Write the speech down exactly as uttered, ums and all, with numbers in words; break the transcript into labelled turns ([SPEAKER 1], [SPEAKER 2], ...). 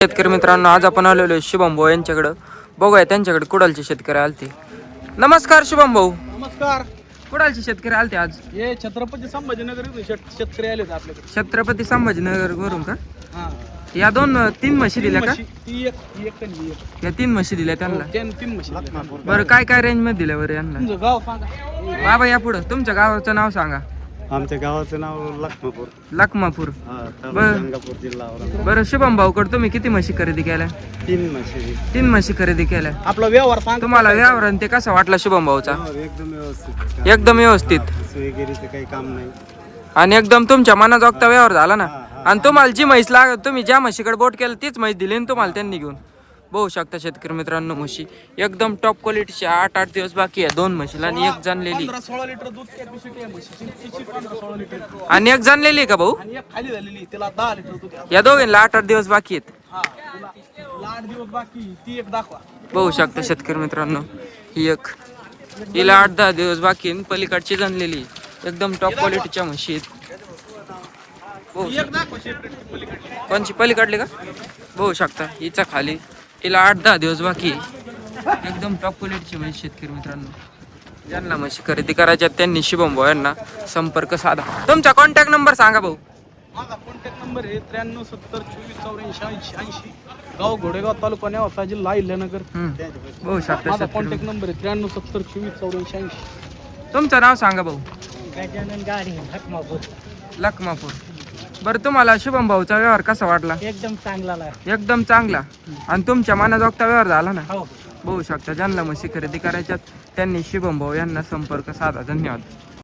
[SPEAKER 1] शेतकरी मित्रांनो, आज आपण आलेलो आहे शुभम भाऊ यांच्याकडं. बघूया त्यांच्याकडे कुडालचे शेतकरी आलते. नमस्कार शुभम भाऊ.
[SPEAKER 2] नमस्कार.
[SPEAKER 1] कुडालचे शेतकरी आलते आज.
[SPEAKER 2] हे छत्रपती संभाजीनगर इथून शेत- शेतकरी आले होते आपल्याकडे.
[SPEAKER 1] छत्रपती संभाजीनगर वरून का?
[SPEAKER 2] हा.
[SPEAKER 1] या दोन तीन म्हशी दिल्या का?
[SPEAKER 2] म्हशी- ती एक ती एक आणि ही एक.
[SPEAKER 1] या तीन म्हशी दिल्या त्यांना.
[SPEAKER 2] हो, त्यान तीन म्हशी दिल्या.
[SPEAKER 1] बरं, काय काय रेंज मध्ये दिल्या बरं यांना?
[SPEAKER 2] तुमचं गाव सांगा.
[SPEAKER 1] बाबा या पुढं तुमच्या गावाचं नाव सांगा.
[SPEAKER 3] आमच्या गावाचं नाव लखमापूर.
[SPEAKER 1] लखमापूर.
[SPEAKER 3] हा, तालुका
[SPEAKER 1] बर.
[SPEAKER 3] गंगापूर, जिल्हा औरंगाबाद.
[SPEAKER 1] बरं शुभम भाऊकडे तुम्ही किती म्हशी खरेदी केल्या?
[SPEAKER 3] तीन म्हशी.
[SPEAKER 1] तीन म्हशी खरेदी केल्या.
[SPEAKER 2] आपला व्यवहार सांगा.
[SPEAKER 1] तुम्हाला व्यवहार ते कसा वाटला शुभम भाऊचा?
[SPEAKER 3] हो, एकदम व्यवस्थित.
[SPEAKER 1] एकदम व्यवस्थित
[SPEAKER 3] वगैरेचं काही काम नाही.
[SPEAKER 1] आणि एकदम तुमच्या मनाजोगता व्यवहार झाला ना.
[SPEAKER 3] हा, हा.
[SPEAKER 1] आणि तुम्हाला जी म्हैस लाग तुम्ही ज्या म्हशीकडे बोट केलं तीच म्हैस दिली आणि तुम्हाला त्यांनी घेऊन. बघू शकता शेतकरी मित्रांनो, म्हशी एकदम टॉप क्वालिटीची. आठ आठ दिवस बाकी आहे दोन म्हशीला आणि एक जाणलेली.
[SPEAKER 2] पंधरा सोळा लिटर दूध कॅपॅसिटी आहे म्हशीची. तिची पंधरा सोळा लिटर
[SPEAKER 1] आणि एक जाणलेली आहे का भाऊ?
[SPEAKER 2] आणि एक खाली झालेली त्याला दहा लिटर दूध आहे.
[SPEAKER 1] या दोघींना आठ आठ दिवस बाकी आहेत.
[SPEAKER 2] हा तुला- तुला आठ दिवस बाकी ती एक दाखवा.
[SPEAKER 1] बघू शकता शेतकरी मित्रांनो, ही एक हिला आठ दहा दिवस बाकी आहे. पलीकडची जाणलेली एकदम टॉप क्वालिटीच्या म्हशी आहेत. बघू
[SPEAKER 2] ती
[SPEAKER 1] शकता.
[SPEAKER 2] एक दाखवा सेपरेट पलीकडली.
[SPEAKER 1] कोणची पलीकडली का? बघू शकता हिचा खाली हिला आठ दहा दिवस बाकी आहे. एकदम टॉप क्वालिटीची म्हशी शेतकरी मित्रांनो. ज्यांना म्हशी खरेदी करायच्या त्यांनी शुभम भाऊ यांना संपर्क साधा. तुमचा कॉन्टॅक्ट नंबर सांगा भाऊ.
[SPEAKER 2] माझा कॉन्टॅक्ट नंबर आहे त्र्याण्णव सत्तर चोवीस चौऱ्याऐंशी ऐंशी ऐंशी. गाव घोडेगाव तालुका नेवासा जिल्हा अहिल्यानगर.
[SPEAKER 1] हम्म. बघू शकता
[SPEAKER 2] माझा
[SPEAKER 1] शेतकरी
[SPEAKER 2] कॉन्टॅक्ट नंबर आहे त्र्याण्णव सत्तर चोवीस चौऱ्याऐंशी ऐंशी.
[SPEAKER 1] मित्रांनो. तुमचं नाव सांगा भाऊ.
[SPEAKER 2] गजानन गाडी लखमापूर.
[SPEAKER 1] लखमापूर. बरं, तुम्हाला शुभम भाऊचा व्यवहार कसा वाटला?
[SPEAKER 2] एकदम चांगला आहे.
[SPEAKER 1] एकदम चांगला. आणि तुमच्या मनाजोगता व्यवहार झाला ना.
[SPEAKER 2] हो.
[SPEAKER 1] बघू शकता ज्यांना म्हशी खरेदी करायच्यात त्यांनी शुभम भाऊ यांना संपर्क साधा. धन्यवाद.